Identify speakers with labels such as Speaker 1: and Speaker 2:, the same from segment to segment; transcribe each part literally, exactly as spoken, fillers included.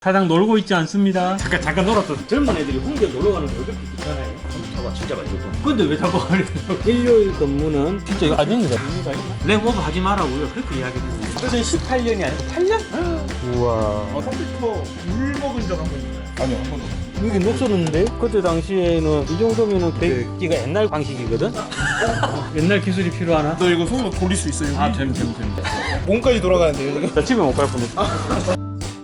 Speaker 1: 사장 놀고 있지 않습니다. 잠깐 잠깐 놀았어. 젊은 애들이 홍대 놀러 가는 거 그렇게 귀찮아요. 컴퓨터가 진짜 많이 좋고. 근데 왜 자꾸 일요일 근무는 진짜 이거 아닙니다. 의미가 있나? 랩오버 하지 마라고요. 그렇게 이야기했는데. 그래서 십팔 년이 아니고 팔 년? 우와.
Speaker 2: 어, 컴퓨터 물 먹은 적 한 번 있나요? 아니요, 한 번도.
Speaker 1: 여기 녹슬었는데? 그때 당시에는 이 정도면은 백기가 옛날 방식이거든? 옛날 기술이 필요하나?
Speaker 2: 너 이거 손으로 돌릴 수 있어요?
Speaker 1: 아, 됨, 됨, 됨.
Speaker 2: 몸까지 돌아가는데요, 지금?
Speaker 1: 나 집에 못 갈 뻔했어.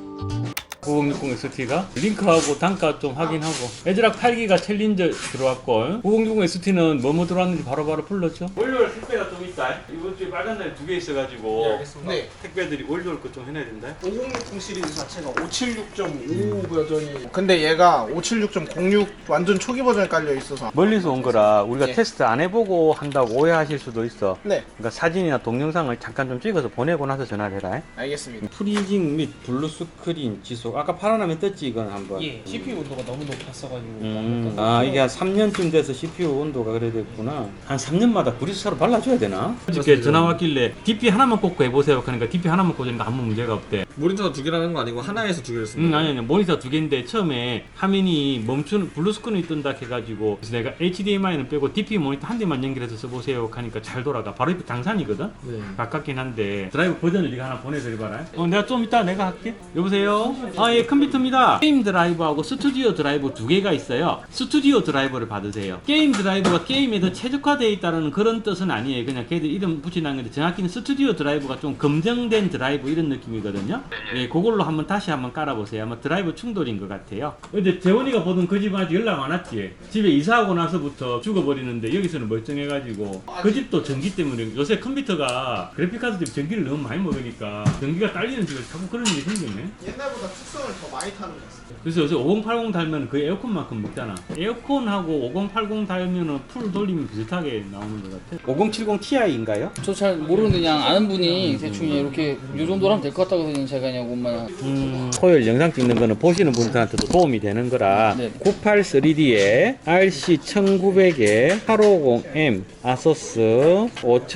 Speaker 1: 구공육공 엑스티가 링크하고 단가 좀 확인하고 애들랑 팔 기가 챌린저 들어왔고 구공육공 엑스티는 뭐뭐 들어왔는지 바로바로 불렀죠. 월요일 택배가 좀 있다. 이번 주에 빨간 날 두 개 있어가지고
Speaker 2: 네, 알겠습니다. 네.
Speaker 1: 택배들이 월요일 거 좀 해놔야 된다.
Speaker 2: 오공육공 시리즈 자체가 오칠육 점 오 버전이 근데 얘가 오칠육 점 공육 완전 초기 버전에 깔려 있어서
Speaker 1: 멀리서 온 거라 우리가
Speaker 2: 네.
Speaker 1: 테스트 안 해보고 한다고 오해하실 수도 있어.
Speaker 2: 네,
Speaker 1: 그러니까 사진이나 동영상을 잠깐 좀 찍어서 보내고 나서 전화를 해라.
Speaker 2: 알겠습니다.
Speaker 1: 프리징 및 블루 스크린 지속 아까 파란화면 떴지 이건 한번.
Speaker 3: 예, 씨피유 온도가 너무 높았어가지고.
Speaker 1: 음, 아 이게 한 삼 년쯤 돼서 씨피유 온도가 그래 됐구나. 한 삼 년마다 브리스타로 발라줘야 되나? 어저께 전화 왔길래 디피 하나만 꽂고 해보세요. 그러니까 디피 하나만 꽂으니까 아무 문제가 없대.
Speaker 4: 모니터가 두 개라는 거 아니고 하나에서 두 개를 쓰는
Speaker 1: 음,
Speaker 4: 거예요?
Speaker 1: 아니 아니 모니터 두 개인데 처음에 화면이 멈추는 블루 스크린이 뜬다 해가지고 그래서 내가 에이치디엠아이는 빼고 디피 모니터 한 대만 연결해서 써보세요 하니까 잘 돌아가. 바로 옆에 당산이거든?
Speaker 4: 네.
Speaker 1: 가깝긴 한데 드라이브 버전을 네가 하나 보내드려봐라. 어, 내가 좀 이따 내가 할게. 여보세요? 아, 예, 컴퓨터입니다. 게임 드라이버하고 스튜디오 드라이버 두 개가 있어요. 스튜디오 드라이버를 받으세요. 게임 드라이버가 게임에 더 최적화되어 있다는 그런 뜻은 아니에요. 그냥 걔들 이름 붙이는 건데 정확히는 스튜디오 드라이버가 좀 검증된 드라이버 이런 느낌이거든요. 예, 그걸로 한번 다시 한번 깔아보세요. 아마 드라이버 충돌인 것 같아요. 근데 재원이가 보던 그 집은 아직 연락 안 왔지? 집에 이사하고 나서부터 죽어버리는데 여기서는 멀쩡해가지고 그 집도 전기 때문에 요새 컴퓨터가 그래픽카드 집에 전기를 너무 많이 먹으니까 전기가 딸리는 집에 자꾸 그런 일이 생기네.
Speaker 2: 옛날보다 특성을 더 많이 타는 것 같습니다.
Speaker 1: 그래서 요새 오공팔공 달면 그 에어컨만큼 먹잖아. 에어컨하고 오공팔공 달면은 풀 돌리면 비슷하게 나오는 것 같아. 오공칠공 티아이인가요?
Speaker 3: 저 잘 모르는데 그냥 아는 분이 대충 이렇게 요 정도로 하면 될 것 같다고 그냥 제가 그냥 그것만.
Speaker 1: 음, 토요일 영상 찍는 거는 보시는 분들한테도 도움이 되는 거라.
Speaker 3: 네.
Speaker 1: 구팔삼디에 알씨 천구백에 팔오공 엠 아소스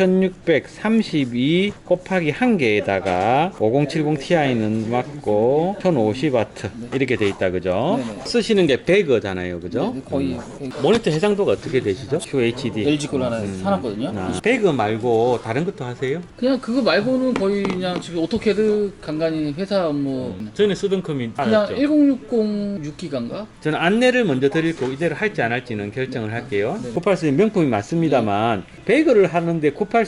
Speaker 1: 오천육백삼십이 곱하기 한 개에다가 오공칠공 티아이는 맞고 천오십 와트 이렇게 돼 있다 그죠?
Speaker 3: 네네.
Speaker 1: 쓰시는 게 배그잖아요 그죠?
Speaker 3: 네, 거의
Speaker 1: 모니터 해상도가 어떻게 되시죠? 큐에이치디.
Speaker 3: 엘지 걸 하나 사놨거든요.
Speaker 1: 아, 배그 말고 다른 것도 하세요?
Speaker 3: 그냥 그거 말고는 거의 그냥 지금 오토캐드 간간히 회사 업무
Speaker 1: 전에 쓰던 컴이
Speaker 3: 그냥
Speaker 1: 알았죠?
Speaker 3: 천육십 육 기가인가?
Speaker 1: 저는 안내를 먼저 드릴 거고 이대로 할지 안 할지는 결정을 할게요.
Speaker 3: 네.
Speaker 1: 구팔삼디 명품이 맞습니다만 배그를 하는데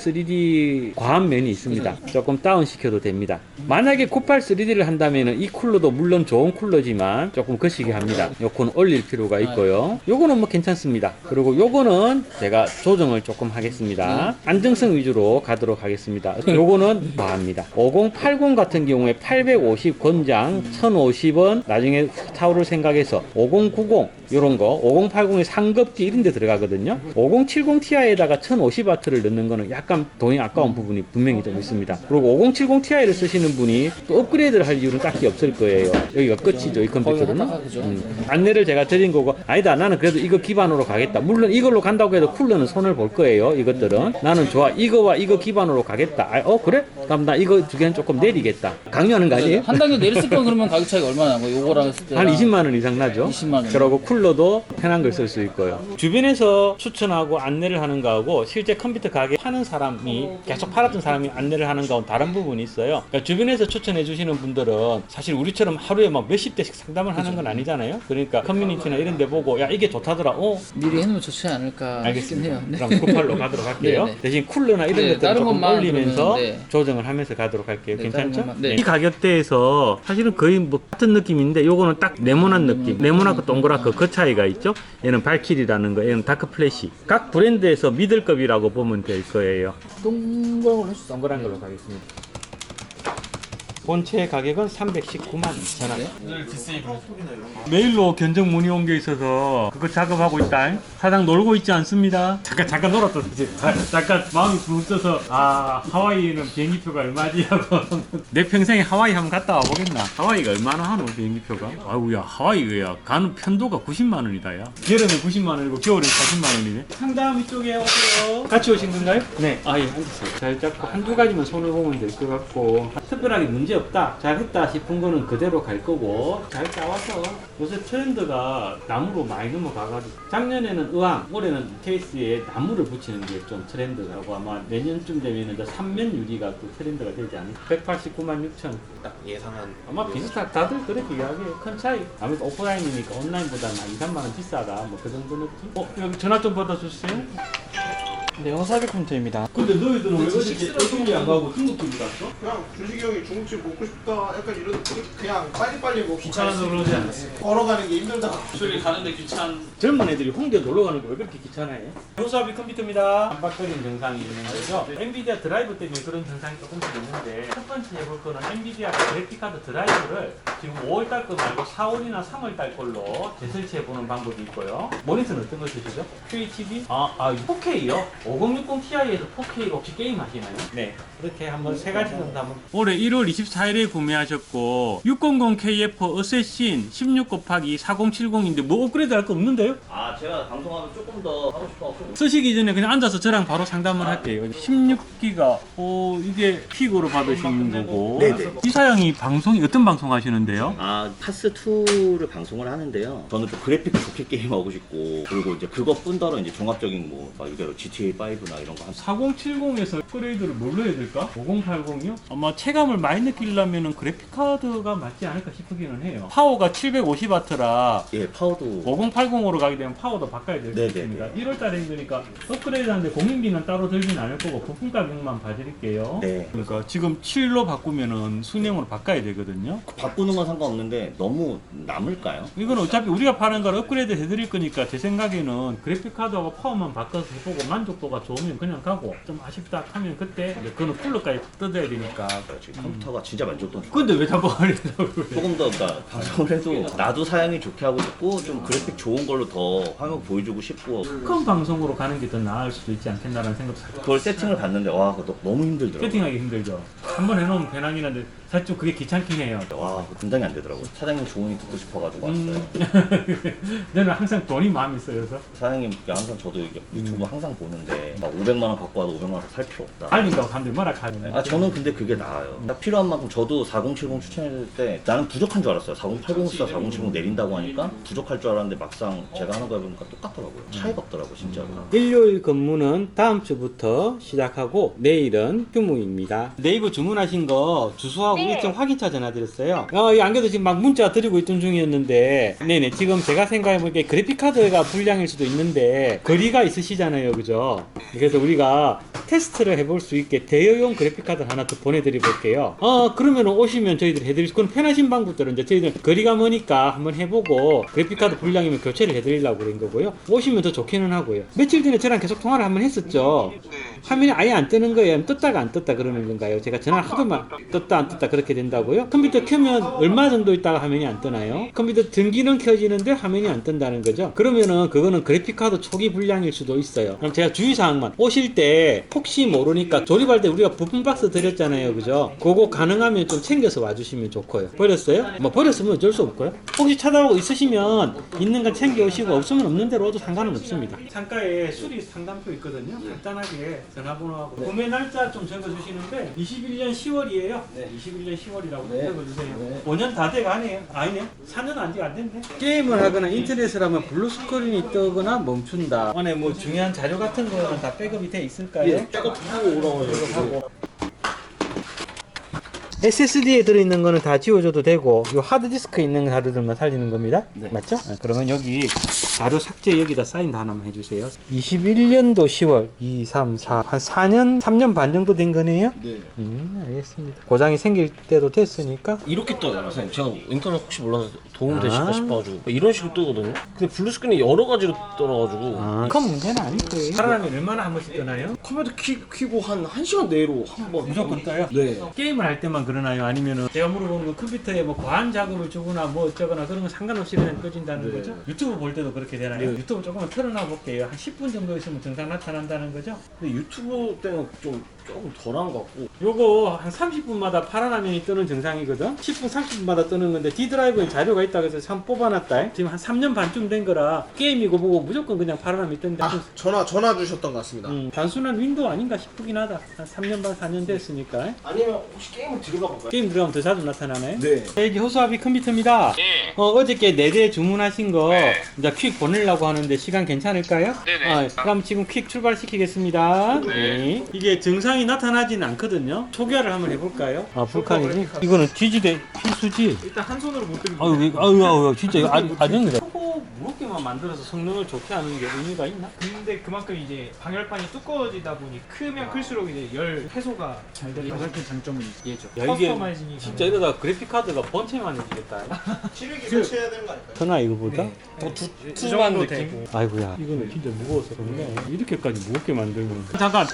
Speaker 1: 구팔삼디 과한 면이 있습니다. 조금 다운 시켜도 됩니다. 만약에 구팔삼디를 한다면 이 쿨러도 물론 좋은 쿨러지만 조금 거시기 합니다. 요거는 올릴 필요가 있고요. 요거는 뭐 괜찮습니다. 그리고 요거는 제가 조정을 조금 하겠습니다. 안정성 위주로 가도록 하겠습니다. 요거는 과합니다. 오공팔공 같은 경우에 팔백오십 권장 천오십 원 나중에 타오를 생각해서 오공구공 요런 거 오공팔공의 상급기 이런 데 들어가거든요. 오공칠공 티아이에다가 천오십 와트를 넣는 거는 약간 돈이 아까운 부분이 분명히 좀 있습니다. 그리고 오공칠공 티아이를 쓰시는 분이 또 업그레이드를 할 이유는 딱히 없을 거예요. 여기가 끝이죠 이 컴퓨터는. 음. 안내를 제가 드린 거고 아니다 나는 그래도 이거 기반으로 가겠다. 물론 이걸로 간다고 해도 쿨러는 손을 볼 거예요. 이것들은 나는 좋아 이거와 이거 기반으로 가겠다. 아, 어 그래? 그럼 나 이거 두 개는 조금 내리겠다. 강요하는 거 아니에요?
Speaker 3: 한 단계 내렸을 건 그러면 가격 차이가 얼마나 나고 요거랑 했을 때
Speaker 1: 한 이십만 원 이상 나죠?
Speaker 3: 이십만 원.
Speaker 1: 그러고 쿨러도 편한 걸 쓸 수 있고요. 주변에서 추천하고 안내를 하는 거하고 실제 컴퓨터 가게 파는 사람이 계속 팔았던 사람이 안내를 하는 거하고는 다른 부분이 있어요. 그러니까 주변에서 추천해 주시는 분들은 사실 우리처럼 하루에 막 몇십 대씩 상담을 하는 건 아니잖아요. 그러니까 커뮤니티나 이런 데 보고 야 이게 좋다더라. 어?
Speaker 3: 미리 해놓으면 좋지 않을까
Speaker 1: 알겠습니다.
Speaker 3: 싶긴 해요. 네.
Speaker 1: 그럼 구팔로 가도록 할게요.
Speaker 3: 네, 네.
Speaker 1: 대신 쿨러나 이런
Speaker 3: 네,
Speaker 1: 것들을
Speaker 3: 다른
Speaker 1: 조금
Speaker 3: 것만
Speaker 1: 올리면서
Speaker 3: 그러면, 네.
Speaker 1: 조정을 하면서 가도록 할게요.
Speaker 3: 네,
Speaker 1: 괜찮죠?
Speaker 3: 다른 것만, 네.
Speaker 1: 이 가격대에서 사실은 거의 뭐 같은 느낌인데 요거는 딱 네모난 느낌. 네모나고 동그랗고 그 차이가 있죠. 얘는 발키리라는 거, 얘는 다크 플래시. 각 브랜드에서 미들급이라고 보면 될 거예요.
Speaker 3: 동그란 걸로 해주세요.
Speaker 1: 동그란 걸로 가겠습니다. 본체 가격은 삼백십구만 이천 원. 메일로 견적 문의 온 게 있어서 그거 작업하고 있다. 사장 놀고 있지 않습니다. 잠깐 잠깐 놀았다. 잠깐 마음이 붕떠서 아 하와이는 비행기표가 얼마지 하고 내 평생에 하와이 한번 갔다 와보겠나. 하와이가 얼마나 하노 비행기표가. 아우야 하와이야 가는 편도가 구십만 원이다 야. 여름에 구십만 원이고 겨울에 사십만 원이네. 상담 이쪽에 오세요. 같이 오신 건가요? 네. 아예 앉으세요. 잘 잡고 한두 가지만 손을 보면 될 것 같고 특별하게 문제 문제 없다, 잘했다 싶은 거는 그대로 갈 거고, 잘 짜와서 요새 트렌드가 나무로 많이 넘어가가지고 작년에는 의왕, 올해는 케이스에 나무를 붙이는 게 좀 트렌드라고 아마 내년쯤 되면 이제 삼면 유리가 또 트렌드가 되지 않을까. 백팔십구만 육천.
Speaker 2: 딱 예상한.
Speaker 1: 아마 비슷하, 다들 그렇게 이야기해요. 큰 차이. 아무래도 오프라인이니까 온라인보다 한 이, 삼만 원 비싸다. 뭐 그 정도 느낌? 어, 여기 전화 좀 받아주세요.
Speaker 3: 네, 허사비 컴퓨터입니다.
Speaker 1: 근데 너희들은 왜 어떻게 어떻게 안 가고 중국집을 갔어?
Speaker 2: 그냥 준식이 형이 중국집 먹고 싶다 약간 이런 그냥 빨리빨리 먹고
Speaker 1: 귀찮아서 그러지 않았어요.
Speaker 2: 걸어가는 게 힘들다.
Speaker 3: 저기 가는데 귀찮.
Speaker 1: 젊은 애들이 홍대 놀러 가는 거 왜 그렇게 귀찮아해? 호수아비 컴퓨터입니다. 반박적인 증상이 있는 거죠. 엔비디아 드라이브 때문에 그런 증상이 조금씩 있는데 첫 번째 해볼 거는 엔비디아 그래픽카드 드라이브를 지금 오월 달 거 말고 사월이나 삼월 달 걸로 재설치해 보는 방법이 있고요. 모니터는 어떤 거 쓰시죠? 큐에이치디? 아, 아 포케이요? 오공육공 티아이에서 포케이로 혹시 게임 하시나요? 네. 그렇게 한번 세 가지 정도 한번. 올해 일월 이십사일에 구매하셨고 육백십 케이에프 어쌔신 십육 곱하기 사공칠공인데 뭐 업그레이드 할 거 없는데요?
Speaker 5: 아 제가 방송하면 조금 더 하고 싶어서
Speaker 1: 쓰시기 전에 그냥 앉아서 저랑 바로 상담을 할게요. 십육 기가 어 이게 픽으로 받으시는 거고.
Speaker 5: 네네.
Speaker 1: 이 사양이 방송이 어떤 방송 하시는데요?
Speaker 5: 아 파스투를 방송을 하는데요. 저는 또 그래픽 좋게 게임하고 싶고 그리고 이제 그것뿐더러 이제 종합적인 뭐막 이게 지티에이 파이브나 이런 거 한.
Speaker 1: 사공칠공에서 업그레이드를 뭘로 해야 될까? 오공팔공이요? 아마 체감을 많이 느끼려면 그래픽 카드가 맞지 않을까 싶기는 해요. 파워가 칠백오십 와트라
Speaker 5: 예 파워도
Speaker 1: 오공팔공으로 가게 되면 파워도 바꿔야 될 것
Speaker 5: 네네네.
Speaker 1: 같습니다. 일월 달에 힘드니까 업그레이드 하는데 공인비는 따로 들진 않을 거고 부품 가격만 봐드릴게요.
Speaker 5: 네.
Speaker 1: 그러니까 지금 칠로 바꾸면은 순행으로 바꿔야 되거든요.
Speaker 5: 바꾸는 건 상관없는데 너무 남을까요?
Speaker 1: 이건 어차피 우리가 파는 걸 업그레이드 해드릴 거니까 제 생각에는 그래픽 카드하고 파워만 바꿔서 해보고 만족도가 좋으면 그냥 가고 좀 아쉽다 하면 그때 이제 그거는 쿨러까지 뜯어야 되니까.
Speaker 5: 지금 컴퓨터가 진짜 만족도 좋고
Speaker 1: 근데 왜 자꾸 하려고 그래?
Speaker 5: 조금 더 그러니까 방송을 해도 나도 사양이 좋게 하고 싶고 좀 그래픽 좋은 걸로 더 화면 보여주고 싶고
Speaker 1: 큰 방송으로 가는 게 더 나을 수도 있지 않겠나라는 생각도 살짝.
Speaker 5: 그걸 세팅을 봤는데 와 그거 너무 힘들더라고요.
Speaker 1: 세팅하기 힘들죠. 한번 해놓으면 배낭이 한데 사실 좀 그게 귀찮긴 해요.
Speaker 5: 와 그거 분장이 안 되더라고요. 사장님 조언이 듣고 싶어가지고 왔어요.
Speaker 1: 음. 저는 항상 돈이 마음에 쓰여서
Speaker 5: 사장님께 항상 저도 이게 유튜브 항상 보는데 막 오백만 원 갖고 와도 오백만 원 살 필요 없다.
Speaker 1: 알린다고 사람들이 뭐라 하네.
Speaker 5: 아 저는 근데 그게 나아요. 딱 필요한 만큼 저도 사공칠공 추천해줄 때 나는 부족한 줄 알았어요. 사공팔공 쓰다 사공칠공 내린다고 하니까 부족할 줄 알았는데 막상 제가 하는 거 해보니까 똑같더라고요. 차이가 없더라고요 진짜로.
Speaker 1: 일요일 근무는 다음 주부터 시작하고 내일은 휴무입니다. 네이버 주문하신 거 주소하고 일정 확인차 전화드렸어요. 어, 이 안개도 지금 막 문자 드리고 있던 중이었는데 네네 지금 제가 생각해보니까 그래픽카드가 불량일 수도 있는데 거리가 있으시잖아요 그죠? 그래서 우리가 테스트를 해볼 수 있게 대여용 그래픽카드 하나 더 보내드려 볼게요. 어 그러면 오시면 저희들이 해드릴 수, 그건 편하신 방법들은 이제 저희들 거리가 머니까 한번 해보고 그래픽카드 불량이면 교체를 해드리려고 그런 거고요. 오시면 더 좋기는 하고요. 며칠 전에 저랑 계속 통화를 한번 했었죠. 화면이 아예 안 뜨는 거예요? 떴다가 안 떴다 그러는 건가요? 제가 전화를 하도만 떴다 안 떴다 그렇게 된다고요? 컴퓨터 켜면 얼마 정도 있다가 화면이 안 뜨나요? 컴퓨터 전기는 켜지는데 화면이 안 뜬다는 거죠? 그러면은 그거는 그래픽카드 초기 불량일 수도 있어요. 그럼 제가 주의사항만 오실 때 혹시 모르니까 조립할 때 우리가 부품 박스 드렸잖아요 그죠? 그거 가능하면 좀 챙겨서 와주시면 좋고요. 버렸어요? 뭐 버렸으면 어쩔 수 없고요. 혹시 찾아오고 있으시면 있는 건 챙겨 오시고 없으면 없는 대로 와도 상관은 없습니다. 창가에 수리 상담표 있거든요. 간단하게 전화번호하고 구매 날짜 좀 적어주시는데 이십일 년 시월이에요. 네. 이십일 년 시월이라고 적어주세요. 네. 오 년 다 돼가네요. 아니네. 사 년 아직 안 됐네. 게임을 하거나 인터넷을 하면 블루 스크린이 뜨거나 멈춘다. 안에 뭐 중요한 자료 같은 거는 다 백업이 돼 있을까요?
Speaker 2: 백업하고 오라고 해요.
Speaker 1: 에스에스디에 들어있는 거는 다 지워줘도 되고 이 하드디스크에 있는 자료들만 살리는 겁니다. 네. 맞죠? 아, 그러면 여기 자료 삭제 여기다 사인 하나만 해주세요. 이십일 년도 시월 이, 삼, 사 한 사 년, 삼 년 반 정도 된 거네요?
Speaker 6: 네.
Speaker 1: 음, 알겠습니다. 고장이 생길 때도 됐으니까
Speaker 6: 이렇게 떠요, 선생님. 제가 인터넷 혹시 몰라서 도움 되실까
Speaker 1: 아.
Speaker 6: 싶어가지고 이런 식으로 뜨거든요. 근데 블루 스크린이 여러 가지로 떠나가지고
Speaker 1: 아, 큰 문제는 아닐 거예요. 살아나면 얼마나 한 번씩 뜨나요?
Speaker 6: 컴퓨터 키, 키고 한 1시간 내로 한 번.
Speaker 1: 무조건 떠요?
Speaker 6: 네.
Speaker 1: 게임을 할 때만 그러나요? 아니면은 제가 물어보는 건 컴퓨터에 뭐 과한 작업을 주거나 뭐 어쩌거나 그런 건 상관없이 그냥 꺼진다는
Speaker 6: 네.
Speaker 1: 거죠? 유튜브 볼 때도 그렇게 되나요? 유튜브 조금만 틀어놔 볼게요. 한 십 분 정도 있으면 증상 나타난다는 거죠?
Speaker 6: 근데 유튜브 때는 좀 조금 덜한 것 같고.
Speaker 1: 요거 한 삼십 분마다 파란 화면이 뜨는 정상이거든. 십 분, 삼십 분마다 뜨는 건데 D 드라이브에 자료가 있다고 해서 참 뽑아놨다. 지금 한 삼 년 반쯤 된 거라 게임이고 보고 무조건 그냥 파란 화면이 뜬다.
Speaker 2: 아 전화 전화 주셨던 것 같습니다.
Speaker 1: 음, 단순한 윈도우 아닌가 싶긴 하다. 한 삼 년 반, 사 년 됐으니까.
Speaker 6: 아니면 혹시 게임을 들어가 볼까요?
Speaker 1: 게임 들어가면 더 자주 나타나네.
Speaker 6: 네.
Speaker 1: 이게 호수아비 컴퓨터입니다.
Speaker 7: 예.
Speaker 1: 어, 어저께 네 대 주문하신 거
Speaker 7: 네.
Speaker 1: 이제 퀵 보내려고 하는데 시간 괜찮을까요?
Speaker 7: 네네.
Speaker 1: 어, 그럼 지금 퀵 출발시키겠습니다. 네. 이게 증상이 나타나지는 않거든요. 초기화를 한번 해볼까요? 아, 불칸이지? 이거는 지지대 필수지?
Speaker 2: 일단 한 손으로 못 들고.
Speaker 1: 아유, 이거- 아유, 아유, 진짜 이거 아주, 아주 초고 무겁게만 만들어서 성능을 좋게 하는 게 의미가 있나?
Speaker 8: 근데 그만큼 이제 방열판이 두꺼워지다 보니 크면 클수록 이제 열 해소가 잘 되는 가장 큰 장점은 얘죠.
Speaker 1: 야, 이게
Speaker 8: 커스터마이징이
Speaker 1: 진짜 이러다 그래픽카드가 번체만 해지겠다.
Speaker 2: 시력이 교체해야 되는 거 아닐까요?
Speaker 1: 전화 이거보다?
Speaker 8: 더
Speaker 6: 두툼한
Speaker 8: 정도
Speaker 6: 느낌?
Speaker 8: 되고.
Speaker 1: 아이고야, 이거는 진짜 무거워서 그런데 이렇게까지 무겁게 만들면 잠깐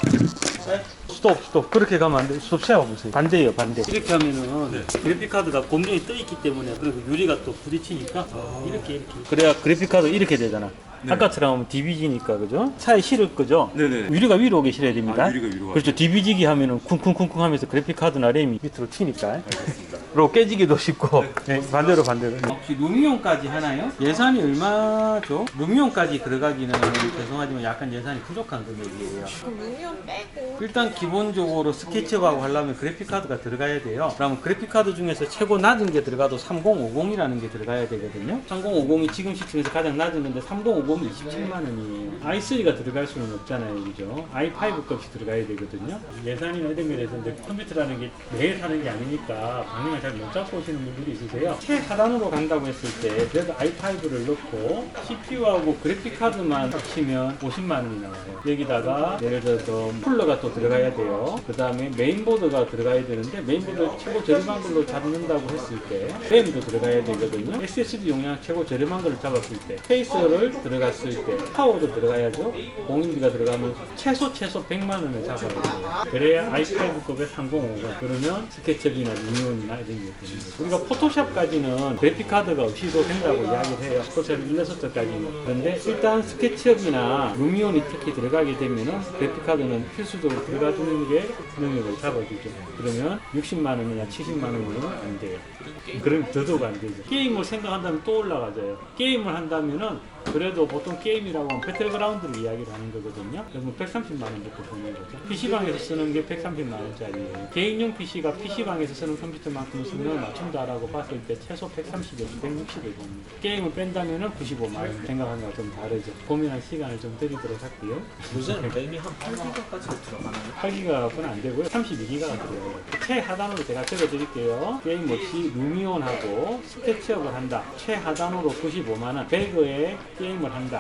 Speaker 1: 스톱 스톱 그렇게 가면 안 돼. 스톱 세워보세요. 반대예요, 반대. 이렇게 하면은 그래픽카드가 공정이 떠 있기 때문에 그리고 유리가 또 부딪히니까 이렇게 이렇게 그래야 그래픽카드 이렇게 되잖아. 아까처럼 하면 디비지니까 그죠? 차에 실을 거죠?
Speaker 9: 네네.
Speaker 1: 유리가 위로 오게 실어야 됩니다.
Speaker 9: 아, 유리가 위로
Speaker 1: 그렇죠. 디비지기 하면은 쿵쿵쿵쿵 하면서 그래픽카드나 램이 밑으로 튀니까. 알겠습니다. 그리고 깨지기도 쉽고. 네, 반대로 반대로. 혹시 루미온까지 하나요? 예산이 얼마죠? 루미온까지 들어가기는 죄송하지만 약간 예산이 부족한 금액이에요.
Speaker 10: 그럼 루미온 빼고
Speaker 1: 일단 기본적으로 스케치업하고 하려면 그래픽카드가 들어가야 돼요. 그러면 그래픽카드 중에서 최고 낮은 게 들어가도 삼공오공이라는 게 들어가야 되거든요. 삼공오공이 지금 시점에서 가장 낮은데 삼공오공이 이십칠만 원이에요. 아이 쓰리가 들어갈 수는 없잖아요. 그죠? 아이 파이브 값이 들어가야 되거든요. 예산이나 이런 면에서 이제 컴퓨터라는 게 매일 하는 게 아니니까 방향을 잘 못 잡고 오시는 분들이 있으세요. 최하단으로 간다고 했을 때 그래도 아이 파이브를 넣고 씨피유하고 그래픽카드만 합치면 오십만 원이 나와요. 여기다가 예를 들어서 쿨러가 또 들어가야 돼요. 그 다음에 메인보드가 들어가야 되는데 메인보드 최고 저렴한 걸로 잡는다고 했을 때 램도 들어가야 되거든요. 에스에스디 용량 최고 저렴한 걸로 잡았을 때 페이스를 들어갔을 때 파워도 들어가야죠. 공인비가 들어가면 최소 최소 백만 원을 잡아야 돼요. 그래야 아이 파이브급의 삼공오공 그러면 스케치업이나 루미온이나 이런 게 되는 거죠. 우리가 포토샵까지는 그래픽카드가 없이도 된다고 이야기를 해요. 포토샵 일러스트까지는. 그런데 일단 스케치업이나 루미온이 특히 들어가게 되면은 그래픽카드는 필수적으로 들어가주는 게 능력을 잡아주죠. 그러면 육십만 원이나 칠십만 원이면 안 돼요. 그럼 더더욱 안 되죠. 게임을 생각한다면 또 올라가져요. 게임을 한다면은 그래도 보통 게임이라고 하면 배틀그라운드를 이야기를 하는 거거든요. 그러면 백삼십만 원부터 보는 거죠. 피시방에서 쓰는 게 백삼십만 원짜리예요. 개인용 피시가 피시방에서 쓰는 컴퓨터만큼 성능을 맞춘다라고 봤을 때 최소 백삼십에서 백육십을 봅니다. 게임을 뺀다면은 구십오만 원. 생각하는 거와 좀 다르죠. 고민할 시간을 좀 드리도록 할게요.
Speaker 4: 요새는 램이 한 팔 기가까지 들어가나요?
Speaker 1: 팔 기가는 안 되고요. 삼십이 기가가 들어가요. 최하단으로 제가 적어드릴게요. 게임 없이 루미온하고 스케치업을 한다. 최하단으로 구십오만 원. 배그에 게임을 한다.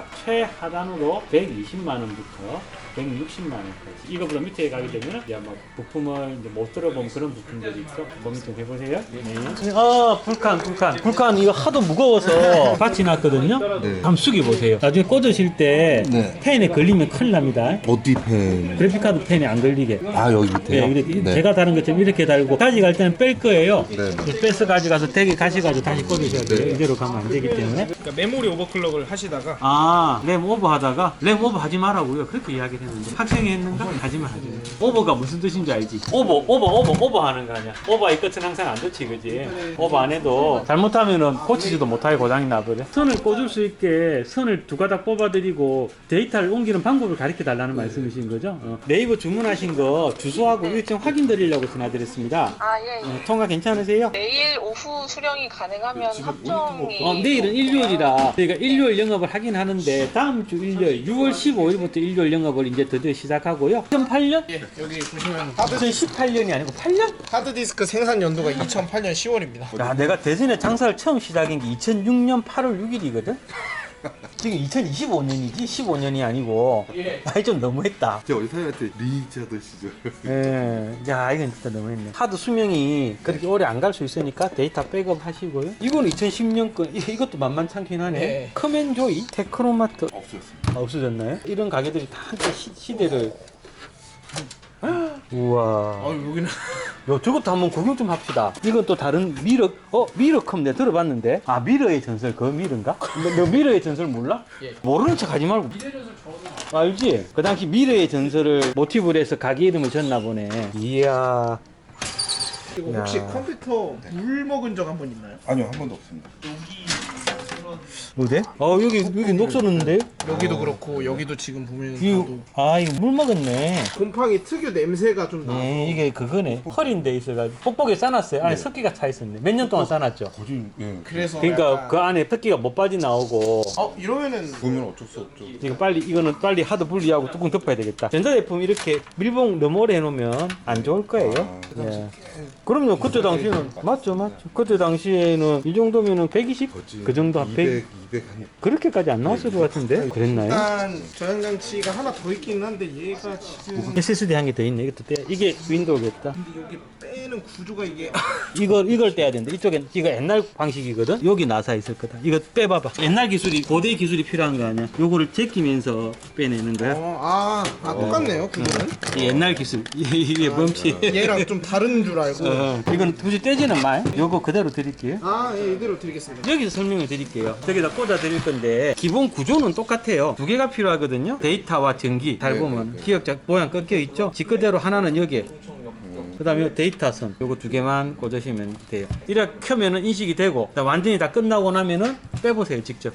Speaker 1: 최하단으로 백이십만 원부터 백육십만 원까지. 이거보다 밑에 가게 되면 이제 뭐 부품을 이제 못 들어본 그런 부품들이 있어. 고민 좀 해보세요. 네. 아, 불칸, 불칸. 불칸 이거 하도 무거워서 받치 놨거든요.
Speaker 9: 네.
Speaker 1: 한번 숙여보세요. 나중에 꽂으실 때
Speaker 9: 네.
Speaker 1: 펜에 걸리면 큰일 납니다.
Speaker 9: 어디 펜?
Speaker 1: 그래픽카드 펜에 안 걸리게.
Speaker 9: 아 여기 밑에요?
Speaker 1: 네, 이렇게 제가 다른 것처럼 이렇게 달고 가져갈 때는 뺄 거예요.
Speaker 9: 네.
Speaker 1: 빼서 가져가서 댁에 가셔가지고 다시 꽂으셔야 돼요. 이대로 가면 안 되기 때문에.
Speaker 8: 그러니까 메모리 오버클럭을 하시다가
Speaker 1: 아, 램 오버 하다가 램 오버 하지 말라고요. 그렇게 이야기를 했는데 학생이 했는가? 하지 말아요. 오버가 무슨 뜻인지 알지? 오버, 오버, 오버, 오버 하는 거 아니야. 오버의 끝은 항상 안 좋지, 그지? 오버 안 해도 잘못하면은 고치지도 못하게 고장이 나버려. 선을 꽂을 수 있게 선을 두 가닥 뽑아드리고 데이터를 옮기는 방법을 가르쳐 달라는 말씀이신 거죠? 어. 네이버 주문하신 거 주소하고 일정 확인 드리려고 전화드렸습니다.
Speaker 10: 아 예.
Speaker 1: 어, 통화 괜찮으세요?
Speaker 10: 내일 오후 수령이 가능하면 합정이
Speaker 1: 어, 내일은 일요일이라 저희가 일요일 영업을 하긴 하는데 다음 주 일요일 유월 십오일부터 일요일 영업을 이제 드디어 시작하고요. 이천팔 년?
Speaker 2: 예, 여기 보시면
Speaker 1: 이천십팔 년이 아니고 팔 년?
Speaker 2: 하드디스크 생산 연도가 이천팔 년 시월입니다.
Speaker 1: 야, 내가 대전에 장사를 처음 시작한 게 이천육 년 팔월 육일이거든? 지금 이천이십오 년이지 십오 년이 아니고 아이 좀 너무했다.
Speaker 9: 제가 어디 사장님한테 리니지 하던 시절.
Speaker 1: 예, 야 이건 진짜 너무했네. 하드 수명이 그렇게 오래 안 갈 수 있으니까 데이터 백업 하시고요. 이건 이천십 년 거, 이- 이것도 만만찮긴 하네.
Speaker 2: 네.
Speaker 1: 커맨조이, 테크노마트
Speaker 9: 없었습니다.
Speaker 1: 아, 없어졌나요? 이런 가게들이 다 함께 시, 시대를 우와.
Speaker 2: 어 여기는
Speaker 1: 요, 저것도 한번 구경 좀 합시다. 이건 또 다른 미러, 어, 미러컵 내가 들어봤는데. 아, 미러의 전설, 그 미러인가? 너, 너 미러의 전설 몰라?
Speaker 3: 예.
Speaker 1: 모르는 척 하지 말고. 미러의 전설 저도 알지? 그 당시 미러의 전설을 모티브로 해서 가게 이름을 졌나 보네. 이야.
Speaker 2: 이거 혹시
Speaker 1: 야.
Speaker 2: 컴퓨터 물 먹은 적 한 번 있나요?
Speaker 9: 아니요, 한 번도 없습니다.
Speaker 1: 어디? 어, 여기, 여기 녹슬었는데?
Speaker 2: 여기도 그렇고 여기도 지금 보면
Speaker 1: 이거,
Speaker 2: 봐도
Speaker 1: 아, 이거 물 먹었네.
Speaker 2: 곰팡이 특유 냄새가 좀 나.
Speaker 1: 네, 이게 그거네. 컬인데 있어가지고. 뽁뽁이 싸놨어요. 안에 습기가 차 있었네. 몇 년 동안 싸놨죠.
Speaker 9: 거짓, 예.
Speaker 2: 그래서
Speaker 1: 그러니까
Speaker 2: 약간-
Speaker 1: 그 안에 습기가 못 빠져나오고.
Speaker 2: 어 이러면은
Speaker 9: 보면 어쩔 수 없죠.
Speaker 1: 이거 빨리 이거는 빨리 하드 분리하고 뚜껑 덮어야 되겠다. 전자제품 이렇게 밀봉 너무 오래 해놓으면 안 좋을 거예요. 예. 그럼요. 그때 당시에는 맞죠, 맞죠. 그때 당시에는 이 정도면은 백이십 그 정도 한 백.
Speaker 9: 이백, 이백 한.
Speaker 1: 그렇게까지 안 나왔을 것 같은데 그랬나요?
Speaker 2: 일단 저장장치가 하나 더 있긴 한데 얘가 지금
Speaker 1: 에스에스디 한 개 더 있네. 이것도 떼. 이게 윈도우겠다.
Speaker 2: 근데 여기 빼는 구조가 이게
Speaker 1: 이걸 이걸 떼야 되는데 이쪽엔 이거 옛날 방식이거든. 여기 나사 있을 거다. 이거 빼봐봐. 옛날 기술이 고대 기술이 필요한 거 아니야? 요거를 제끼면서 빼내는 거야.
Speaker 2: 어, 아, 아 똑같네요 그거는.
Speaker 1: 이 옛날 기술. 이게 멈치.
Speaker 2: 얘랑 좀 다른 줄 알고.
Speaker 1: 어, 이건 굳이 떼지는 마. 요거 그대로 드릴게요.
Speaker 2: 아, 예, 이대로 드리겠습니다.
Speaker 1: 여기서 설명을 드릴게요. 저기다 꽂아 드릴 건데 기본 구조는 똑같아요. 두 개가 필요하거든요. 데이터와 전기. 잘 보면 기억자 모양 꺾여 있죠. 지 그대로 하나는 여기에. 그 다음에 데이터선 요거 두 개만 꽂으시면 돼요. 이렇게 켜면은 인식이 되고 완전히 다 끝나고 나면은 빼보세요. 직접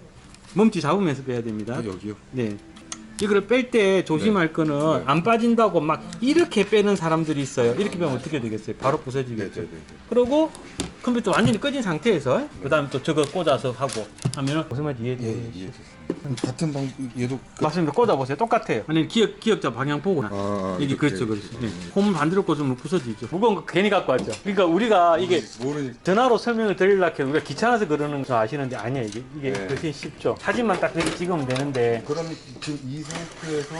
Speaker 1: 멈치 잡으면서 빼야 됩니다.
Speaker 9: 아, 여기요?
Speaker 1: 네. 이거를 뺄 때 조심할 거는 안 빠진다고 막 이렇게 빼는 사람들이 있어요. 이렇게 빼면 어떻게 되겠어요? 바로 부서지겠죠.
Speaker 9: 네, 네, 네.
Speaker 1: 그리고 컴퓨터 완전히 꺼진 상태에서 그 다음 또 저거 꽂아서 하고 하면은 무슨 말인지 이해돼요?
Speaker 9: 예, 이해했습니다. 같은 방, 얘도. 끝.
Speaker 1: 맞습니다. 꽂아보세요. 똑같아요. 아니 기억, 기억자 방향 보고
Speaker 9: 아,
Speaker 1: 이게
Speaker 9: 이렇게.
Speaker 1: 그렇죠, 그렇죠. 네. 홈 반대로 꽂으면 부서지죠. 무거운 거 괜히 갖고 왔죠. 그러니까 우리가 이게
Speaker 9: 모르니까.
Speaker 1: 전화로 설명을 드리려고 해도 우리가 귀찮아서 그러는 거 아시는데 아니야 이게 이게
Speaker 9: 네.
Speaker 1: 훨씬 쉽죠. 사진만 딱 이렇게 찍으면 되는데
Speaker 9: 그럼 지금 이 상태에서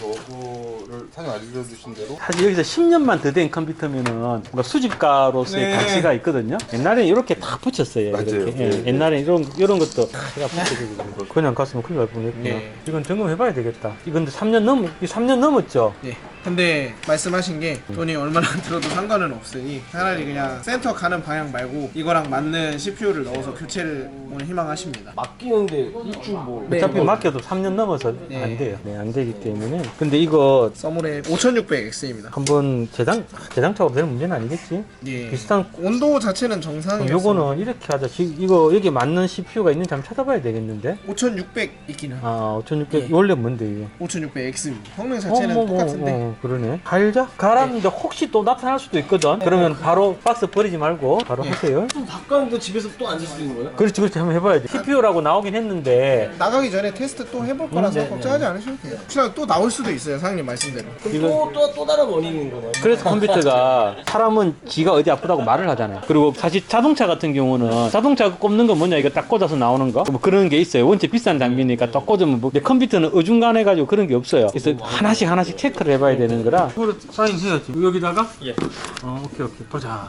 Speaker 9: 저거를 사장님 알려주신 대로
Speaker 1: 사실 여기서 십 년만 더 된 컴퓨터면은 뭔가 수집가로서의
Speaker 2: 네.
Speaker 1: 가치가 있거든요. 옛날에는 이렇게 다 붙였어요.
Speaker 9: 맞아요.
Speaker 1: 이렇게. 예,
Speaker 9: 네.
Speaker 1: 옛날에 이런 이런 것도 다 제가 붙여주고 그냥 갔으면 큰일 날 뻔했구나.
Speaker 2: 네.
Speaker 1: 이건 점검해봐야 되겠다. 이건 삼 년 넘, 삼 년 넘었죠.
Speaker 2: 네. 근데 말씀하신 게 돈이 얼마나 들어도 상관은 없으니 차라리 그냥 센터 가는 방향 말고 이거랑 맞는 씨피유를 넣어서 교체를 오늘 희망하십니다.
Speaker 6: 맡기는데 일주 뭐.
Speaker 2: 네,
Speaker 1: 어차피
Speaker 2: 뭐.
Speaker 1: 맡겨도 삼 년 넘어서
Speaker 2: 네.
Speaker 1: 안 돼요. 네, 안 되기 때문에. 근데 이거
Speaker 2: 서물의 오천육백 엑스입니다.
Speaker 1: 한번 재장 재장착으로 될 문제는 아니겠지?
Speaker 2: 예.
Speaker 1: 비슷한
Speaker 2: 온도 자체는
Speaker 1: 그럼
Speaker 2: 정상이었어요.
Speaker 1: 요거는 이렇게 하자. 지- 이거 여기 맞는 씨피유가 있는지 한번 찾아봐야 되겠는데?
Speaker 2: 오천육백 있기는.
Speaker 1: 아, 오천육백
Speaker 2: 예.
Speaker 1: 원래 뭔데 이게?
Speaker 2: 오천육백 엑스입니다. 성능 자체는
Speaker 1: 어, 뭐, 뭐,
Speaker 2: 똑같은데.
Speaker 1: 어, 그러네. 갈자? 갈았는데 혹시 또 나타날 수도 있거든. 그러면 바로 박스 버리지 말고 바로
Speaker 2: 예.
Speaker 1: 하세요.
Speaker 6: 또 바꿨는데 집에서 또 앉을 수 있는 거예요?
Speaker 1: 그렇지, 그렇지. 한번 해봐야지. 씨피유라고 나오긴 했는데
Speaker 2: 나가기 전에 테스트 또 해볼 거라서
Speaker 1: 네,
Speaker 2: 걱정하지 않으셔도 돼요. 혹시나 또 나올 수도 있어요, 사장님 말씀대로.
Speaker 1: 이거
Speaker 6: 또, 또, 또 다른 원인인 거예요?
Speaker 1: 그래서 컴퓨터가 사람은 지가 어디 아프다고 말을 하잖아요. 그리고 사실 자동차 같은 경우는 자동차 꼽는 건 뭐냐 이거 딱 꽂아서 나오는 거 뭐 그런 게 있어요. 원체 비싼 장비니까 딱 꽂으면 뭐. 근데 컴퓨터는 어중간해가지고 그런 게 없어요. 그래서 하나씩 하나씩 체크를 해봐야 되는 거라. 이거를 사인해야지. 여기다가? 예. 어, 오케이 오케이. 보자.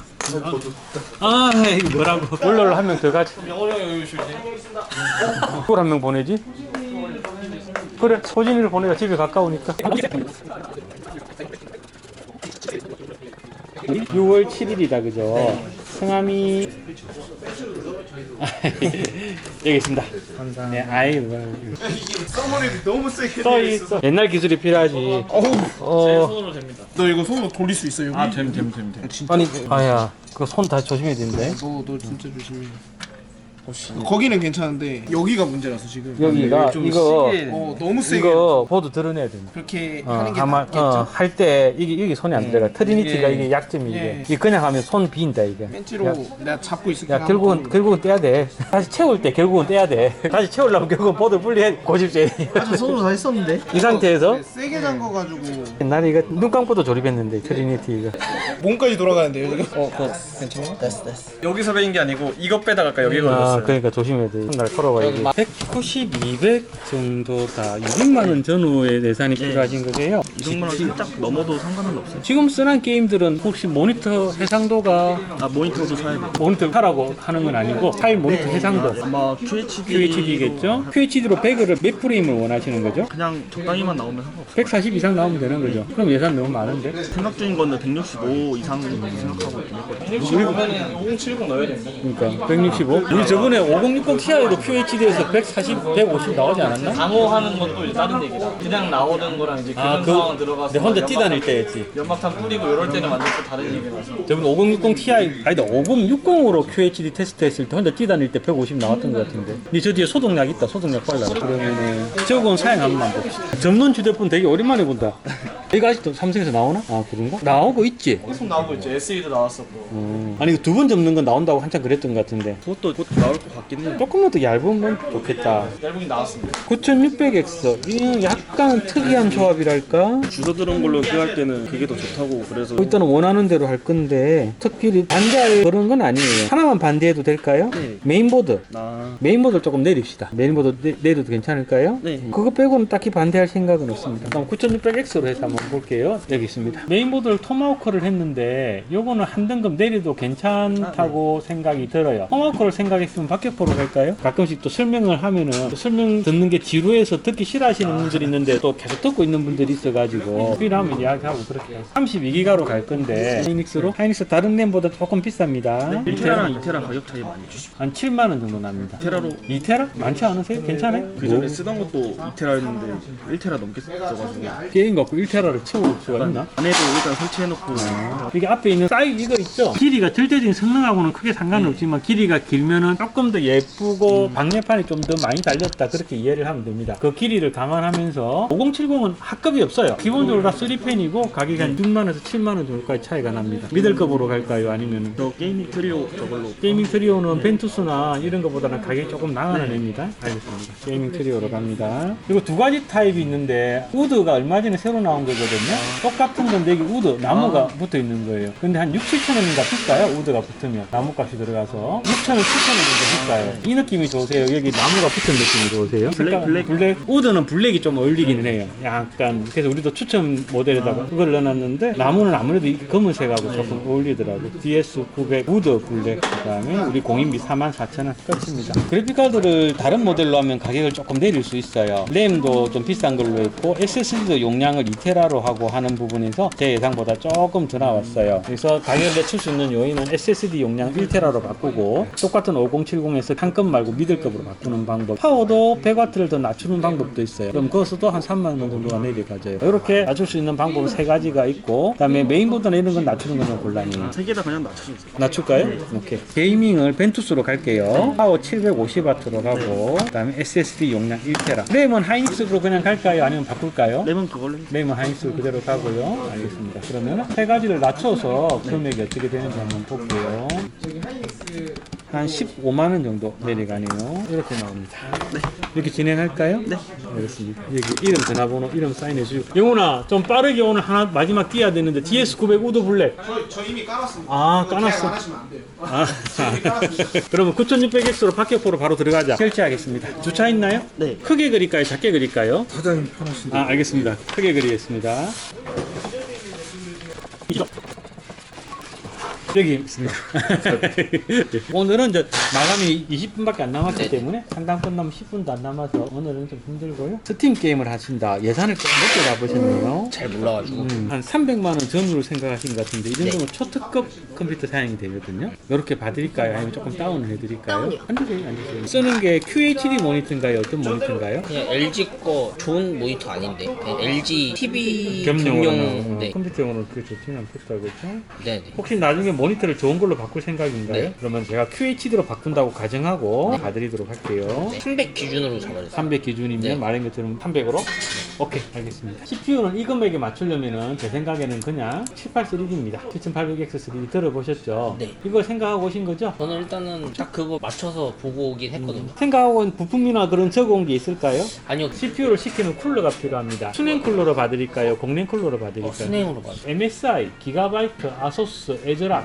Speaker 1: 아, 이거 뭐라고? 원로를 한 명 더 가지.
Speaker 6: 영어로 여유 주지.
Speaker 1: 그걸 한 명 보내지? 그래, 소진이를 보내자. 집에 가까우니까. 유월 칠일이다, 그죠? 성함이. 여기 있습니다. 감사합니다. 네, 아이고.
Speaker 2: 서머리 너무 세게
Speaker 1: 써
Speaker 2: 되어 있어서.
Speaker 1: 있어. 옛날 기술이 필요하지.
Speaker 2: 어우,
Speaker 1: 어,
Speaker 6: 손으로 됩니다.
Speaker 2: 너 이거 손으로 돌릴 수 있어 여기?
Speaker 6: 아, 됨, 됨, 됨, 됨.
Speaker 2: 진짜.
Speaker 1: 아니, 아야, 그거 손 다 조심해야 되는데.
Speaker 2: 너, 너 진짜 조심해. 거기는 괜찮은데 여기가 문제라서 지금.
Speaker 1: 여기가
Speaker 6: 좀
Speaker 1: 이거
Speaker 6: 시계-
Speaker 2: 어 너무 세게.
Speaker 1: 이거 보드 드러내야 된다.
Speaker 2: 그렇게
Speaker 1: 어,
Speaker 2: 하는 게
Speaker 1: 아마
Speaker 2: 낫겠죠.
Speaker 1: 어, 할 때 이게 이게 손이 안 들어가. 트리니티가
Speaker 6: 예.
Speaker 1: 이게 약점이 이게.
Speaker 2: 예.
Speaker 1: 이게 그냥 하면 손 빈다 이게.
Speaker 2: 벤치로
Speaker 1: 야,
Speaker 2: 내가 잡고 있을게.
Speaker 1: 야 결국은 결국은 떼야 돼. 다시 채울 때 결국은 떼야 돼. 다시 채우려면 결국은 보드 분리해 고집제.
Speaker 2: 아, 손으로 다 했었는데.
Speaker 1: 이 상태에서
Speaker 2: 세게 잠궈가지고
Speaker 1: 옛날에 이거 눈 감고도 조립했는데 트리니티 이거.
Speaker 2: 몸까지 돌아가는데요 지금. 어, 그거 괜찮아?
Speaker 8: 여기서 베인 게 아니고 이거 빼다가 아까 여기
Speaker 1: 아,
Speaker 6: 있어요.
Speaker 1: 그러니까 조심해야 돼. 날 걸어봐야지. 백구십, 이백 정도다. 육백만 원 전후의 예산이 필요하신 거세요?
Speaker 4: 이백만 원 살짝 넘어도 상관은 없어요.
Speaker 1: 지금 쓰는 게임들은 혹시 모니터 해상도가
Speaker 4: 아 모니터도 사야 돼요.
Speaker 1: 모니터 하라고 하는 건 아니고 파일 모니터 해상도
Speaker 4: 아마 큐에이치디
Speaker 1: 큐에이치디겠죠? 큐에이치디로 배그를 몇 프레임을 원하시는 거죠?
Speaker 4: 그냥 적당히만 나오면 상관없어요.
Speaker 1: 백사십 이상 나오면 되는 거죠? 그럼 예산 너무 많은데?
Speaker 4: 생각 중인 건데 백육십오 이상 생각하고 있거든요.
Speaker 8: 그러면 오공칠공 넣어야 된다.
Speaker 1: 그러니까 백육십오? 우리 저번에 오공육공 티아이도 큐에이치디에서 백사십, 백오십 나오지 않았나?
Speaker 8: 방어하는 것도 다른 얘기다. 그냥 나오는 거랑 이제
Speaker 1: 아,
Speaker 8: 그런
Speaker 1: 그
Speaker 8: 상황 들어가서
Speaker 1: 내 혼자
Speaker 8: 연막-
Speaker 1: 뛰다닐 때였지.
Speaker 8: 연막탄 뿌리고 이럴 때는 완전 또 다른 얘기라서.
Speaker 1: 저번 오공육공 티아이 아니다 오공육공으로 큐에이치디 테스트 했을 때 혼자 뛰다닐 때 백오십 나왔던 것 같은데. 근데 저 뒤에 소독약 있다. 소독약 빨라. 그러면은 저건 사양 한번 봅시다. 접는 휴대폰 되게 오랜만에 본다. 이거 아직도 삼성에서 나오나? 아 그런가? 나오고 있지.
Speaker 8: 계속 나오고 있죠. 에스이도 나왔었고.
Speaker 1: 음. 아니 두 번 접는 건 나온다고 한참 그랬던 것 같은데.
Speaker 4: 그것도 곧 나올 것 같긴 해요.
Speaker 1: 조금만 더 얇으면 좋겠다.
Speaker 8: 얇은 나왔습니다.
Speaker 1: 구천육백 엑스 이건 약간 특이한 조합이랄까?
Speaker 4: 줄어드는 걸로 기할 때는 그게 더 좋다고 그래서
Speaker 1: 일단은 원하는 대로 할 건데 특별히 반대할 그런 건 아니에요. 하나만 반대해도 될까요?
Speaker 4: 네.
Speaker 1: 메인보드.
Speaker 4: 나
Speaker 1: 메인보드를 조금 내립시다. 메인보드 내, 내려도 괜찮을까요?
Speaker 4: 네.
Speaker 1: 그거 빼고는 딱히 반대할 생각은 없습니다. 그럼 구천육백 엑스로 해서 한번 볼게요. 여기 있습니다. 메인보드를 토마호크를 했는데 요거는 한 등급 내려도 괜찮다고 생각이 들어요. 토마호크를 생각했으면 박격포로 갈까요? 가끔씩 또 설명을 하면은 또 설명 듣는 게 지루해서 듣기 싫어하시는 분들이 있는데 또 계속 듣고 있는 분들이 있어가지고 필요하면 이야기하고 그렇게 해요. 삼십이 기가로 갈 건데 하이닉스로? 하이닉스 다른 램보다 조금 비쌉니다.
Speaker 4: 일 테라랑 이 테라 가격 차이 많이 주시고
Speaker 1: 한 칠만 원 정도 납니다.
Speaker 4: 이 테라로
Speaker 1: 이 테라? 많지 않으세요? 괜찮아요?
Speaker 4: 그 전에 쓰던 것도 이 테라였는데 일 테라 넘게 써가지고
Speaker 1: 게임 갖고 일 테라를 채울 수가 있나?
Speaker 4: 안에도 일단 설치해놓고
Speaker 1: 이게 앞에 있는 사이즈 이거 있죠? 길이가 절대적인 성능하고는 크게 상관은 없지만 길이가 길면은 조금 더 예쁘고 방열판이 좀 더 많이 달렸다 그렇게 이해를 하면 됩니다. 그 길이를 감안하면서 오공칠공은 합급이 없어요. 기본적으로 다 쓰리 펜이고 가격이 한 육만 원에서 칠만 원 정도까지 차이가 납니다. 미들급으로 갈까요? 아니면
Speaker 4: 저 게이밍 트리오 저걸로
Speaker 1: 게이밍 트리오는 벤투스나 이런 것보다는 가격이 조금 나가는 애입니다. 알겠습니다. 게이밍 트리오로 갑니다. 그리고 두 가지 타입이 있는데 우드가 얼마 전에 새로 나온 거거든요. 똑같은 건데 여기 우드 나무가 붙어 있는 거예요. 근데 한 육, 칠천 원인가 비싸요. 우드가 붙으면 나무값이 들어가서 육천 원, 칠천 원 정도 비싸요. 이 느낌이 좋으세요? 여기 나무가 붙은 느낌이 좋으세요?
Speaker 4: 블랙, 블랙.
Speaker 1: 블랙 우드는 블랙이 좀 어울리기는 해요. 약간 그래서 우리도 추천 모델에다가 그걸 넣어놨는데 나무는 아무래도 이 검은색하고 조금 어울리더라고. 디에스 구백 우드 블랙 그다음에 우리 공인비 사만 사천 원 끝입니다. 그래픽카드를 다른 모델로 하면 가격을 조금 내릴 수 있어요. 램도 좀 비싼 걸로 했고 에스에스디도 용량을 이 테라로 하고 하는 부분에서 제 예상보다 조금 더 나왔어요. 그래서 가격을 낮출 수 있는 요인은 에스에스디 용량 일 테라로 바꾸고 똑같은 오공칠공에서 한 급 말고 미들급으로 바꾸는 방법. 파워도 백 와트를 더 낮추는 방법도 있어요. 그럼 그것도 한 삼만 원 정도가 내려가져요. 이렇게 낮출 수 있는 방법은 세 가지가 있고 그다음에 메인보드나 이런 건 낮추는 건 곤란해요.
Speaker 4: 세 개 다 그냥 낮춰주세요.
Speaker 1: 낮출까요? 오케이. 게이밍을 벤투스로 갈게요. 파워 칠백오십 와트로 가고 그다음에 에스에스디 용량 일 테라. 램은 하이닉스로 그냥 갈까요? 아니면 바꿀까요?
Speaker 4: 램은 그걸로
Speaker 1: 램은 하이닉스 그대로 가고요. 알겠습니다. 그러면 세 가지를 낮춰서 금액이 어떻게 되는지 한번 볼게요. 한 십오만 원 정도 내려가네요. 이렇게 나옵니다. 네. 이렇게 진행할까요? 네. 알겠습니다. 여기 이름, 전화번호, 이름 사인해주고. 영훈아, 좀 빠르게 오늘 하나 마지막 띄어야 되는데 디에스 구백 우드 블랙.
Speaker 2: 저, 저 이미 깔았습니다.
Speaker 1: 아,
Speaker 2: 계약 안
Speaker 1: 까놨어.
Speaker 2: 하시면 안 돼요.
Speaker 1: 아,
Speaker 2: 저 이미 깔았습니다.
Speaker 1: 그러면 구천육백 엑스로 박격포로 바로 들어가자. 결제하겠습니다. 주차 있나요?
Speaker 4: 네.
Speaker 1: 크게 그릴까요? 작게 그릴까요?
Speaker 9: 사장님 편하신데.
Speaker 1: 아, 알겠습니다. 크게 그리겠습니다. 이쪽. 여기 있습니다. 오늘은 이제 마감이 이십 분밖에 안 남았기 때문에 상담 끝나면 십 분도 안 남아서 오늘은 좀 힘들고요. 스팀 게임을 하신다. 예산을 좀 높게 잡으셨네요.
Speaker 3: 잘 몰라가지고.
Speaker 1: 음, 한 삼백만 원 전후로 생각하신 것 같은데 이 정도면 초특급 컴퓨터 사양이 되거든요. 이렇게 봐드릴까요? 아니면 조금 다운을 해드릴까요?
Speaker 3: 다운이요.
Speaker 1: 앉으세요, 앉으세요. 쓰는 게 큐에이치디 모니터인가요? 어떤 모니터인가요?
Speaker 3: 그냥 엘지 거 좋은 모니터 아닌데 그냥 엘지 티비
Speaker 1: 겸용으로
Speaker 3: 겸용. 네.
Speaker 1: 컴퓨터용으로 그게 좋지는 않겠다, 그렇죠?
Speaker 3: 네네.
Speaker 1: 혹시 나중에 모니터를 좋은 걸로 바꿀 생각인가요?
Speaker 3: 네.
Speaker 1: 그러면 제가 큐에이치디로 바꾼다고 가정하고 봐드리도록 할게요.
Speaker 3: 네. 삼백 기준으로 잡아주세요.
Speaker 1: 삼백 기준이면
Speaker 3: 네.
Speaker 1: 말한 것처럼 삼백으로? 오케이, 알겠습니다. 씨피유는 이 금액에 맞추려면은 제 생각에는 그냥 칠팔삼디입니다. 칠천팔백 엑스 쓰리디 들어보셨죠?
Speaker 3: 네.
Speaker 1: 이걸 생각하고 오신 거죠?
Speaker 3: 저는 일단은 딱 그거 맞춰서 보고 오긴 했거든요.
Speaker 1: 생각하고 온 부품이나 그런 적어온 게 있을까요?
Speaker 3: 아니요.
Speaker 1: 씨피유를 시키는 쿨러가 필요합니다. 순행 쿨러로 봐드릴까요? 공랭 쿨러로 봐드릴까요?
Speaker 3: 어, 순행으로 봐요.
Speaker 1: 엠에스아이, 기가바이트, 아소스, 에즈락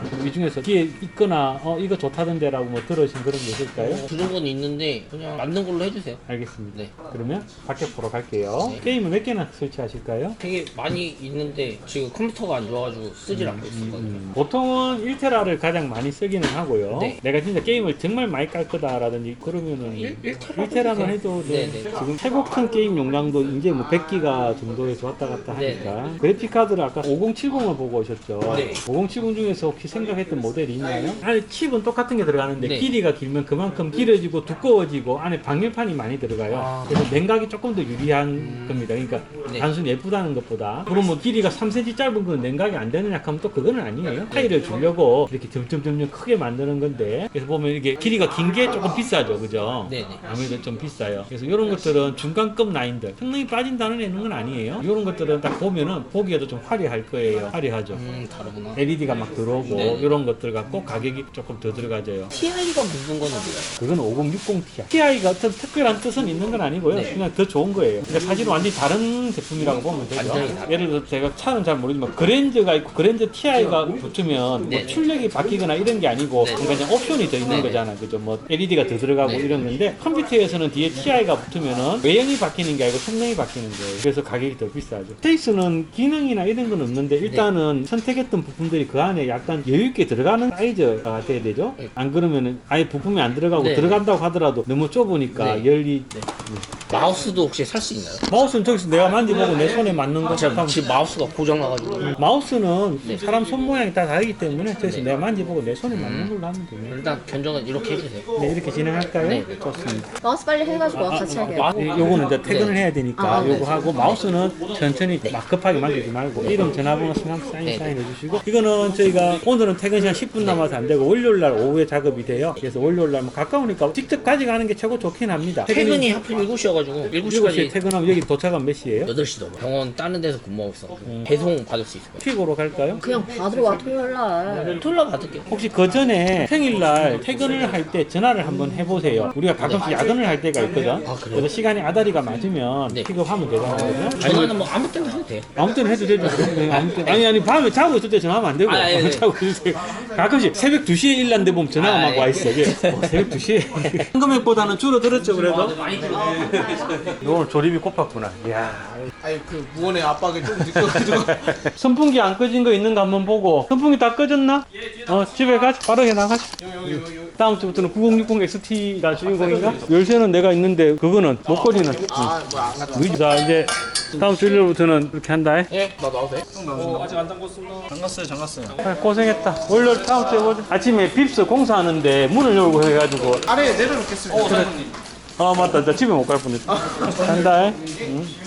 Speaker 1: 이 중에서 뒤에 있거나 어 이거 좋다던데라고 뭐 들으신 그런 게 있을까요?
Speaker 3: 들은 건 있는데 그냥 맞는 걸로 해주세요.
Speaker 1: 알겠습니다.
Speaker 3: 네.
Speaker 1: 그러면 밖에 보러 갈게요.
Speaker 3: 네.
Speaker 1: 게임을 몇 개나 설치하실까요?
Speaker 3: 되게 많이 있는데 지금 컴퓨터가 안 좋아가지고 쓰질 않고 있었거든요.
Speaker 1: 음, 보통은 일 테라를 가장 많이 쓰기는 하고요.
Speaker 3: 네.
Speaker 1: 내가 진짜 게임을 정말 많이 깔 거다라든지 그러면은
Speaker 3: 일- 일 테라
Speaker 1: 일 테라만 해도 돼.
Speaker 3: 네, 네.
Speaker 1: 지금 최고 큰 게임 용량도 이제 뭐 백 기가 정도에서 왔다 갔다
Speaker 3: 네,
Speaker 1: 하니까 그래픽 카드를 아까 오공칠공을 보고 오셨죠.
Speaker 3: 네.
Speaker 1: 오공칠공 중에서 혹시 생각했던 모델이 있나요? 안에 칩은 똑같은 게 들어가는데
Speaker 3: 네.
Speaker 1: 길이가 길면 그만큼 길어지고 두꺼워지고 안에 방열판이 많이 들어가요.
Speaker 3: 아.
Speaker 1: 그래서 냉각이 조금 더 유리한 겁니다. 그러니까
Speaker 3: 네.
Speaker 1: 단순히 예쁘다는 것보다 그럼 뭐 길이가 삼 센티미터 짧은 건 냉각이 안 되느냐 하면 또 그거는 아니에요. 차이를 주려고 이렇게 점점점점 크게 만드는 건데 그래서 보면 이게 길이가 긴 게 조금 비싸죠, 그죠?
Speaker 3: 네네.
Speaker 1: 아무래도 좀 비싸요. 그래서 이런 것들은 중간급 라인들 성능이 빠진다는 애는 건 아니에요. 이런 것들은 딱 보면은 보기에도 좀 화려할 거예요. 화려하죠.
Speaker 3: 음 다르구나.
Speaker 1: 엘이디가 막 들어오고
Speaker 3: 네.
Speaker 1: 이런 것들 갖고 가격이 조금 더 들어가져요.
Speaker 3: 티아이가 묻은 거는 뭐예요?
Speaker 1: 그건 오공육공 티아이. 티아이가 어떤 특별한 뜻은 있는 건 아니고요.
Speaker 3: 네.
Speaker 1: 그냥 더 좋은 거예요. 근데 사실은 완전히 다른 제품이라고 보면 되죠.
Speaker 3: 완전히 다르-
Speaker 1: 예를 들어서 제가 차는 잘 모르지만 그랜저가 있고 그랜저 티아이가 붙으면
Speaker 3: 네.
Speaker 1: 뭐 출력이 바뀌거나 이런 게 아니고
Speaker 3: 네.
Speaker 1: 그러니까 그냥 옵션이 더 있는
Speaker 3: 네.
Speaker 1: 거잖아. 그죠? 뭐 엘이디가 더 들어가고
Speaker 3: 네.
Speaker 1: 이런 건데 컴퓨터에서는 뒤에 티아이가 붙으면은 외형이 바뀌는 게 아니고 성능이 바뀌는 거예요. 그래서 가격이 더 비싸죠. 스페이스는 기능이나 이런 건 없는데 일단은 선택했던 부품들이 그 안에 약간 여유 있게 들어가는 사이즈가 돼야 되죠.
Speaker 3: 네.
Speaker 1: 안 그러면은 아예 부품이 안 들어가고
Speaker 3: 네.
Speaker 1: 들어간다고 하더라도 너무 좁으니까
Speaker 3: 네.
Speaker 1: 열이
Speaker 3: 마우스도 혹시 살 수 있나요?
Speaker 1: 마우스는 저기서 내가 만져보고 내 손에 맞는 거
Speaker 3: 제가
Speaker 1: 하면
Speaker 3: 지금 마우스가 고장나가지고
Speaker 1: 마우스는
Speaker 3: 네.
Speaker 1: 사람 손 모양이 다 다르기 때문에 저기서
Speaker 3: 네.
Speaker 1: 내가 만져보고 내 손에 맞는 걸로 하면 돼요.
Speaker 3: 일단 견적은 이렇게 해주세요.
Speaker 1: 네, 이렇게 진행할까요?
Speaker 3: 네.
Speaker 1: 좋습니다.
Speaker 7: 마우스 빨리 해가지고 같이 할게요.
Speaker 3: 마-
Speaker 1: 이- 요거는 이제 퇴근을
Speaker 3: 네.
Speaker 1: 해야 되니까
Speaker 7: 아, 네.
Speaker 1: 요거 하고 마우스는 천천히 막 급하게 만들지 말고 이름 전화번호 성함 사인
Speaker 3: 네.
Speaker 1: 사인해 주시고 이거는 저희가 오늘은 퇴근 시간 십 분 남아서 안 되고 월요일 날 오후에 작업이 돼요. 그래서 월요일 날뭐 가까우니까 직접 가져가는 게 최고 좋긴 합니다.
Speaker 3: 퇴근이 하필 일곱 시여가지고 일곱
Speaker 1: 일곱 시에
Speaker 3: 시까지
Speaker 1: 퇴근하면 여기 도착하면 몇 시예요?
Speaker 3: 여덟 시 넘어. 병원 다른 데서 근무하고 있어가지고 배송 받을 수 있어요.
Speaker 1: 픽으로 갈까요?
Speaker 7: 그냥 받으러 와 토요일 날.
Speaker 3: 토요일 날 받을게요.
Speaker 1: 혹시 그 전에 평일날 퇴근을 할 때 전화를 한번 해보세요. 우리가 가끔씩 야근을 할 때가 있거든. 그래서 시간이 아다리가 맞으면
Speaker 3: 네.
Speaker 1: 픽업하면 되잖아요.
Speaker 3: 전화는 뭐 아무 때나 해도 돼요.
Speaker 1: 아무 때나 해도 되죠. 네, 아무 때나. 아니 아니 밤에 자고 있을 때 전화하면 안 되고
Speaker 3: 아, 예, 예.
Speaker 1: 자고 있을 때 가끔씩 새벽 두 시에 일났는데 보면 전화가
Speaker 3: 아,
Speaker 1: 막 와
Speaker 3: 예.
Speaker 1: 있어. 이게 어, 새벽 두 시에 금액보다는 줄어들었죠 그래도.
Speaker 3: 많이 들어요.
Speaker 1: 오늘 조립이 꼽았구나. 이야.
Speaker 2: 아니 그 무언의 압박이 좀 느껴가지고
Speaker 1: 선풍기 안 꺼진 거 있는 거 한번 보고. 선풍기 다 꺼졌나? 어 집에 가자. 빠르게 나가자.
Speaker 2: 여기 여기 여기
Speaker 1: 다음 주부터는 구공육공 엑스티가 주인공인가? 열쇠는 내가 있는데 그거는 목걸이는.
Speaker 2: 아뭐안 갔다
Speaker 1: 응. 자 이제 다음 주 일요일부터는 이렇게 한다.
Speaker 3: 예, 나 나와도 돼?
Speaker 4: 잠갔어요, 잠갔어요.
Speaker 1: 아, 고생했다. 월요일 다음 주에 보자. 아침에 빕스 공사하는데 문을 열고 해가지고.
Speaker 2: 아래에 내려놓겠습니다.
Speaker 1: 아 맞다. 나 집에 못 갈 뻔했다. 간다. 응.